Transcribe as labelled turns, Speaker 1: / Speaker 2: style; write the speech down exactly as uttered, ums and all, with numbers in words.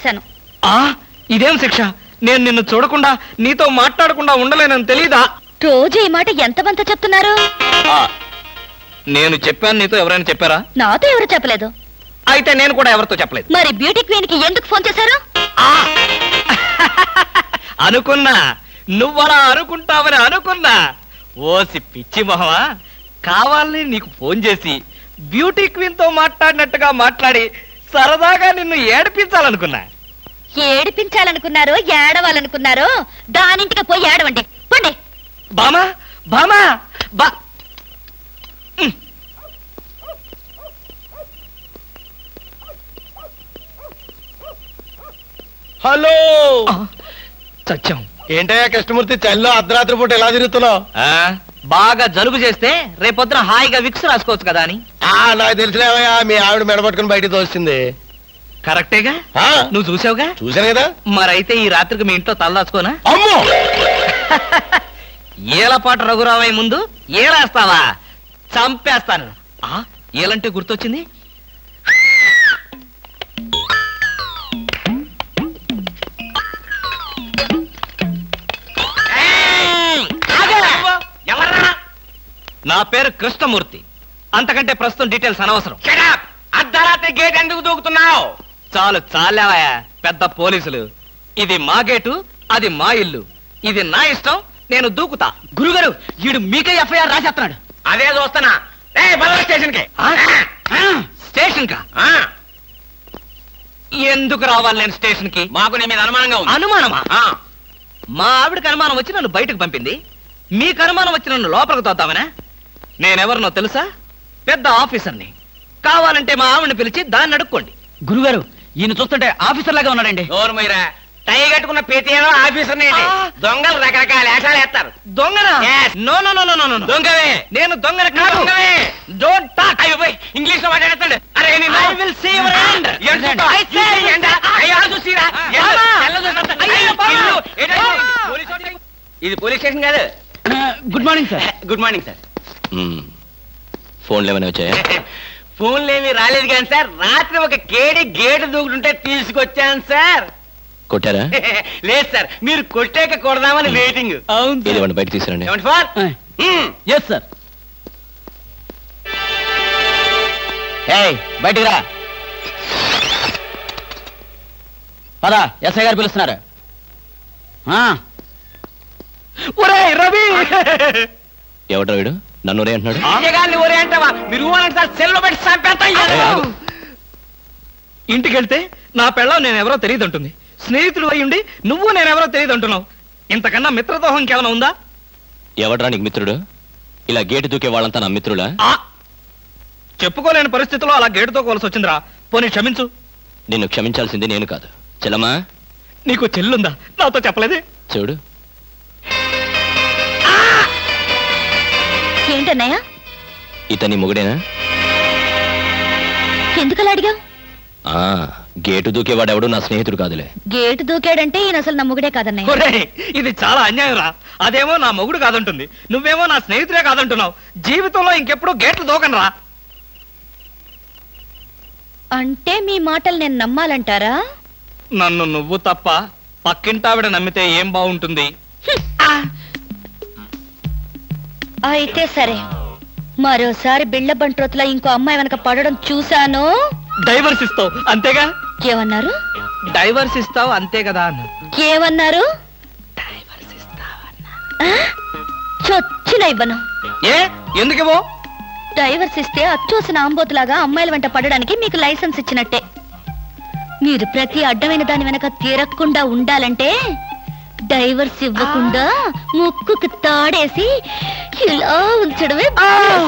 Speaker 1: చేశాను.
Speaker 2: ఆ ఇదేం శిక్ష? నేను నిన్ను చూడకుండా నీతో మాట్లాడకుండా ఉండలేనని తెలీదా?
Speaker 1: రోజు ఈ మాట ఎంతమంత చెప్తున్నారు?
Speaker 2: నేను చెప్పాను, నీతో ఎవరైనా చెప్పారా?
Speaker 1: నాతో ఎవరు చెప్పలేదు.
Speaker 2: అయితే నేను కూడా ఎవరితో చెప్పలేదు.
Speaker 1: మరి బ్యూటీ క్వీన్ కి ఎందుకు ఫోన్ చేశారు?
Speaker 2: అనుకున్నా నువ్వలా అనుకుంటావని అనుకున్నా. ఓసి పిచ్చి మొహమా, కావాలని నీకు ఫోన్ చేసి బ్యూటీ క్వీన్ తో మాట్లాడినట్టుగా మాట్లాడి సరదాగా నిన్ను ఏడిపించాలనుకున్నా.
Speaker 1: ఏడిపించాలనుకున్నారో ఏడవాలనుకున్నారో దానింటికి పోయి ఏడవండి. పండి.
Speaker 2: బామా బామా బా
Speaker 3: హలో.
Speaker 2: సత్యం,
Speaker 3: ఏంటయ్యా కృష్ణమూర్తి, చల్లో అర్ధరాత్రి పూట ఎలా తిరుగుతున్నావు?
Speaker 2: బాగా జలుబు చేస్తే రేపొద్దున హాయిగా విక్స్ రాసుకోవచ్చు కదా అని.
Speaker 3: నాకు తెలిసినవయ్యా, మీ ఆవిడ మెడపట్టుకుని బయటికి తోస్తుంది.
Speaker 2: కరెక్టేగా, నువ్వు చూసావుగా.
Speaker 3: చూశాను కదా.
Speaker 2: మరైతే ఈ రాత్రికి మీ ఇంట్లో తలదాచుకోనా?
Speaker 3: అమ్మో,
Speaker 2: ఏలపాటు రఘురావయ్య ముందు ఏలేస్తావా? చంపేస్తాను. ఏలంటే గుర్తొచ్చింది. నా పేరు కృష్ణమూర్తి. అంతకంటే ప్రస్తుతం డీటెయిల్స్ అనవసరం.
Speaker 4: అర్ధరాత్రి గేట్ ఎందుకు దూకుతున్నావు?
Speaker 2: చాలు చాలావయ్యా, పెద్ద పోలీసులు. ఇది మా గేటు, అది మా ఇల్లు. ఇది నా ఇష్టం, నేను దూకుతా. గురుగారు, వీడు మీకే ఎఫ్ఐఆర్ రాసేస్తున్నాడు.
Speaker 4: అదే చూస్తున్నా. స్టేషన్ కి
Speaker 2: స్టేషన్ కా? ఎందుకు రావాలి నేను స్టేషన్ కి?
Speaker 4: మాకు నీ మీద అనుమానంగా ఉంది.
Speaker 2: అనుమానమా? మా ఆవిడకి అనుమానం వచ్చి నన్ను బయటకు పంపింది. మీకు అనుమానం వచ్చి నన్ను లోపలికి తోద్దామనా? నేనెవరినో తెలుసా? పెద్ద ఆఫీసర్ని. కావాలంటే మా ఆవిడని పిలిచి దాన్ని అడుక్కోండి.
Speaker 5: గురుగారు, ఈయన చూస్తుంటే ఆఫీసర్ లాగా ఉన్నాడండి.
Speaker 4: నోరు మీరా, టై కట్టుకున్న ప్రతి ఏదో ఆఫీసర్ దొంగలు రకరకాల వేషాలు వేస్తారు.
Speaker 2: దొంగనా? No no no no no.
Speaker 4: దొంగవే.
Speaker 2: నేను దొంగన కాదు. Don't talk.
Speaker 4: అయ్యో పోయి ఇంగ్లీష్ లో మాట్లాడతాడు. అరే
Speaker 2: I will see your hand. I say
Speaker 4: ఇది పోలీస్ స్టేషన్ కాదు.
Speaker 5: Good morning sir.
Speaker 4: Good morning sir.
Speaker 3: ఫోన్లు ఏమైనా వచ్చాయా?
Speaker 4: ఫోన్లు ఏమి రాలేదు కానీ సార్, రాత్రి ఒక కేడి గేటు దూకుంటుంటే తీసుకొచ్చాను సార్.
Speaker 3: కొట్టారా?
Speaker 4: లేదు సార్, మీరు కొట్టాక కొడదామని వెయిటింగ్.
Speaker 3: అవును, బయట తీసుకురండి.
Speaker 4: ఏమండి ఫోన్?
Speaker 5: Yes sir. బయటికి రా. పదా, ఎస్ఐ గారు పిలుస్తున్నారు.
Speaker 2: రవి,
Speaker 3: ఎవడ్రా వీడు? నన్ను ఒరే అంటున్నాడు.
Speaker 4: ఒరే అంటావా? మీరు సార్ సెల్లో పెట్టి చంపేస్తాం.
Speaker 2: ఇంటికి వెళ్తే నా పెళ్ళం నేనెవరో తెలియదు అంటుంది. స్నేహితుడు అయ్యుండి నువ్వు నేనెవరో తెలియదు అంటున్నావు. ఇంతకన్నా మిత్రదోహం ఇంకేమైనా ఉందా?
Speaker 3: ఎవడ్రా నీకు మిత్రుడు? ఇలా గేటు దూకే వాళ్ళంతా నా మిత్రుడా?
Speaker 2: చెప్పుకోలేని పరిస్థితిలో అలా గేటుతో కోల్సి వచ్చిందిరా. పోనీ క్షమించు.
Speaker 3: నిన్ను క్షమించాల్సింది నేను కాదు. చెల్లమ్మా,
Speaker 2: నీకు చెల్లుందా? నాతో చెప్పలేదే.
Speaker 3: చూడు,
Speaker 1: ఏంటన్నయ్య?
Speaker 3: ఇతని మొగుడేనా?
Speaker 1: ఎందుకలా అడిగావు?
Speaker 3: ఆ గేటు దూకేవాడెవడు నా స్నేహితుడు కాదులే.
Speaker 1: గేటు దూకాడంటే ఈయన అసలు నా మొగుడే కాదన్నయ్య.
Speaker 2: ఒరేయ్, ఇది చాలా అన్యాయం రా. అదేమో నా మొగుడు కాదంటుంది, నువ్వేమో నా స్నేహితుడే కాదంటున్నావు. జీవితంలో ఇంకెప్పుడు గేట్లు దూకను రా.
Speaker 1: అంటే మీ మాటలు నేను నమ్మాలంటారా?
Speaker 2: నన్ను నువ్వు తప్ప పక్కింటావిడ నమ్మితే ఏం బాగుంటుంది?
Speaker 1: అయితే సరే, మరోసారి బిళ్ళ బంట్రోతులా ఇంకో అమ్మాయి వెనక పడడం చూశాను.
Speaker 2: డైవర్స్ ఇస్తావు అంతేగా?
Speaker 1: ఏమన్నారు?
Speaker 2: డైవర్స్ ఇస్తావు అంతే కదా అన్న.
Speaker 1: ఏమన్నారు?
Speaker 2: డైవర్స్ ఇస్తావన్నా.
Speaker 1: చొచ్చిన ఇవ్వను.
Speaker 2: ఏ ఎందుకేమో?
Speaker 1: డైవర్స్ ఇస్తే అచ్చోసిన ఆంబోతులాగా అమ్మాయిల వెంట పడడానికి మీకు లైసెన్స్ ఇచ్చినట్టే. మీరు ప్రతి అడ్డమైన దాని వెనక తీరకుండా ఉండాలంటే డైవర్స్ ఇవ్వకుండా ముక్కుకు తాడేసి ఇలా ఉంచడమే.